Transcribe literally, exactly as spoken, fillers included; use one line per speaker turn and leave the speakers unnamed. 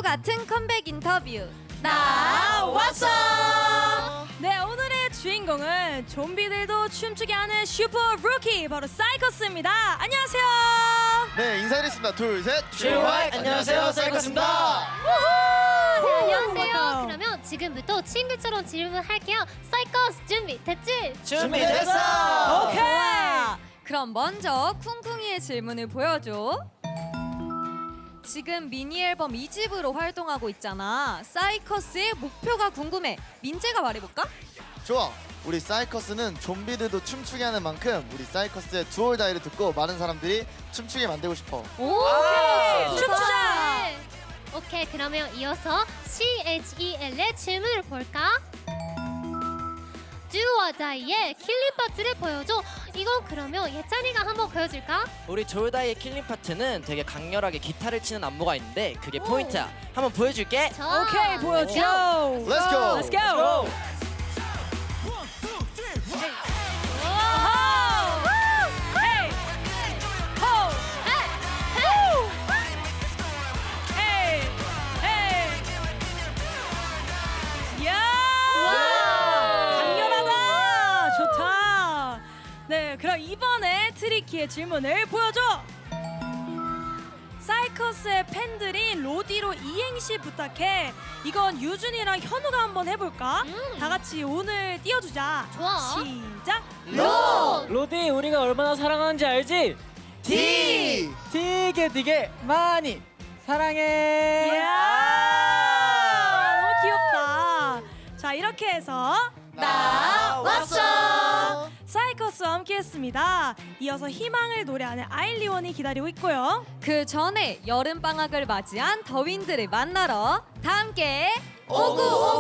같은 컴백 인터뷰
나왔어.
네, 오늘의 주인공은 좀비들도 춤추게 하는 슈퍼 루키 바로 사이커스입니다. 안녕하세요.
네, 인사드리겠습니다. 둘, 셋.
슈화이 안녕하세요, 사이커스입니다.
네, 안녕하세요.
반가워요.
그러면 지금부터 친구처럼 질문할게요. 사이커스 준비 됐지?
준비됐어.
오케이.
좋아. 그럼 먼저 쿵쿵이의 질문을 보여줘. 지금 미니 앨범 이 집으로 활동하고 있잖아. 사이커스의 목표가 궁금해. 민재가 말해볼까?
좋아. 우리 사이커스는 좀비들도 춤추게 하는 만큼 우리 사이커스의 두올다이를 듣고 많은 사람들이 춤추게 만들고 싶어.
오,
아,
오케이. 춤추자.
네. 오케이, 그러면 이어서 씨에이치이엘의 질문을 볼까? Do or Die의 킬링 파트를 보여줘. 이건 그러면 예찬이가 한번 보여줄까?
우리 조다이의 킬링 파트는 되게 강렬하게 기타를 치는 안무가 있는데 그게 포인트야. 한번 보여줄게.
자,
오케이, 보여줘.
Let's go.
Let's go. 헤이. 호. 헤이. 헤이. 야! 강렬하다. 좋다. 네, 그럼 이번에 트리키의 질문을 보여줘. 사이커스의 팬들이 로디로 이행시 부탁해. 이건 유준이랑 현우가 한번 해볼까?
음.
다 같이 오늘 띄워주자.
좋아.
시작.
로.
로디 우리가 얼마나 사랑하는지 알지?
티.
되게 되게 많이 사랑해.
이야, 너무 귀엽다. 자, 이렇게 해서
나왔어.
사이커스와 함께했습니다. 이어서 희망을 노래하는 아일리원이 기다리고 있고요.
그 전에 여름 방학을 맞이한 더윈들을 만나러 다 함께 오구오구